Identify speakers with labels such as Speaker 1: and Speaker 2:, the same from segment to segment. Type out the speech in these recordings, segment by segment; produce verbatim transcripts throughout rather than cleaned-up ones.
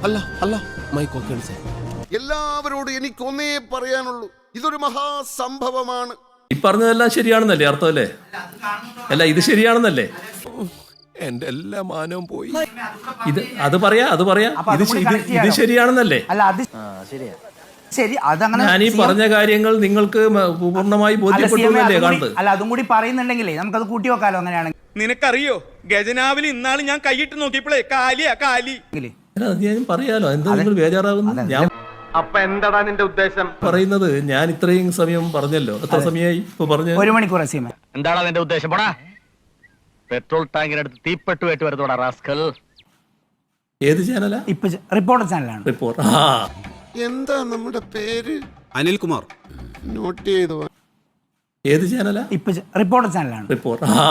Speaker 1: അല്ല അല്ല mic okay sir.
Speaker 2: എല്ലാവരോടും എനിക്കൊന്നേ പറയാനുള്ളൂ, ഇതൊരു മഹാസംഭവമാണ്.
Speaker 3: ഈ പറഞ്ഞതെല്ലാം ശരിയാണെന്നല്ലേ അർത്ഥം അല്ലേ? അല്ല ഇത് ശരിയാണെന്നല്ലേ?
Speaker 1: എന്റെ എല്ലാ മാനവും പോയി.
Speaker 3: ഇത് അത് പറയാ അത് പറയാ ഇത് ഇത് ശരിയാണെന്നല്ലേ?
Speaker 4: അല്ല അത് ശരിയാ ശരി അതങ്ങനെ
Speaker 3: ഞാൻ ഈ പറഞ്ഞ കാര്യങ്ങൾ നിങ്ങൾക്ക് പൂർണ്ണമായി ബോധ്യപ്പെട്ടല്ലേ കാണുന്നത്?
Speaker 4: അല്ല അതും കൂടി പറയുന്നുണ്ടെങ്കിലേ നമുക്കത് കൂട്ടി വെക്കാലോ. അങ്ങനെയാണെങ്കിൽ
Speaker 5: നിനക്കറിയോ ഗജനാവിൽ ഇന്നാള് ഞാൻ കൈയിട്ട് നോക്കിയപ്പോഴേ കാലിയാ കാലി.
Speaker 3: ഞാൻ പറയാലോ, എന്താ നിങ്ങൾ ബേജാറാകുന്നു? ഞാൻ
Speaker 6: അപ്പൊ എന്താടാ നിന്റെ ഉദ്ദേശം?
Speaker 3: പറയുന്നത് ഞാൻ ഇത്രയും സമയം പറഞ്ഞല്ലോ. എത്ര സമയമായി ഇപ്പൊ പറഞ്ഞു?
Speaker 4: ഒരു മണിക്കൂർ.
Speaker 6: എന്താണ് നിന്റെ ഉദ്ദേശം? പോടാ, പെട്രോൾ ടാങ്കിനടുത്ത് തീപ്പെട്ടുമായിട്ട് വരുന്നോടാ റാസ്കൽ.
Speaker 3: ഏത് ചാനലാ?
Speaker 4: ഇപ്പൊ റിപ്പോർട്ടർ ചാനലാണ്.
Speaker 3: റിപ്പോർട്ട്. ആ
Speaker 2: എന്താ നമ്മുടെ പേര്?
Speaker 1: അനിൽകുമാർ.
Speaker 2: നോട്ട് ചെയ്തു.
Speaker 3: ഏത് ചാനലാ?
Speaker 4: ഇപ്പൊ റിപ്പോർട്ടർ ചാനലാണ്.
Speaker 3: റിപ്പോർട്ട്. ആ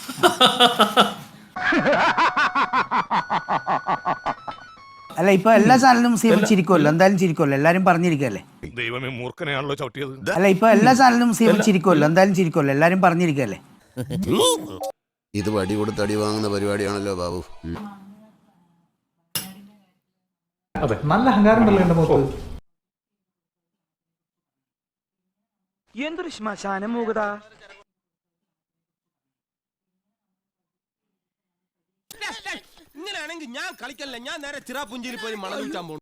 Speaker 4: അല്ല ഇപ്പൊ എല്ലാ ചാനലിലും മുസ്ലിം ചിരിക്കുമല്ലോ, എന്തായാലും ചിരിക്കുമല്ലോ, എല്ലാരും പറഞ്ഞിരിക്കല്ലേ.
Speaker 1: ദൈവമേ, മൂർഖനെയാണല്ലോ ചവിട്ടിയത്.
Speaker 4: അല്ല ഇപ്പൊ എല്ലാ ചാനലിലും മുസ്ലിം ചിരിക്കുമല്ലോ, എന്തായാലും ചിരിക്കുമല്ലോ, എല്ലാരും പറഞ്ഞിരിക്കല്ലേ.
Speaker 2: ഇത് വടി കൊടുത്ത് അടി വാങ്ങുന്ന പരിപാടിയാണല്ലോ ബാബു.
Speaker 7: നല്ല അഹങ്കാരം ഉണ്ടല്ലോ എന്റെ മുഖത്ത്.
Speaker 5: എന്തൊരു ശ്മശാനം മൂകത.
Speaker 1: ഇങ്ങനെയാണെങ്കിൽ ഞാൻ കളിക്കല്ല, ഞാൻ നേരെ ചിറാപുഞ്ചിയിൽ പോയി മണം വിൽക്കാൻ പോകും.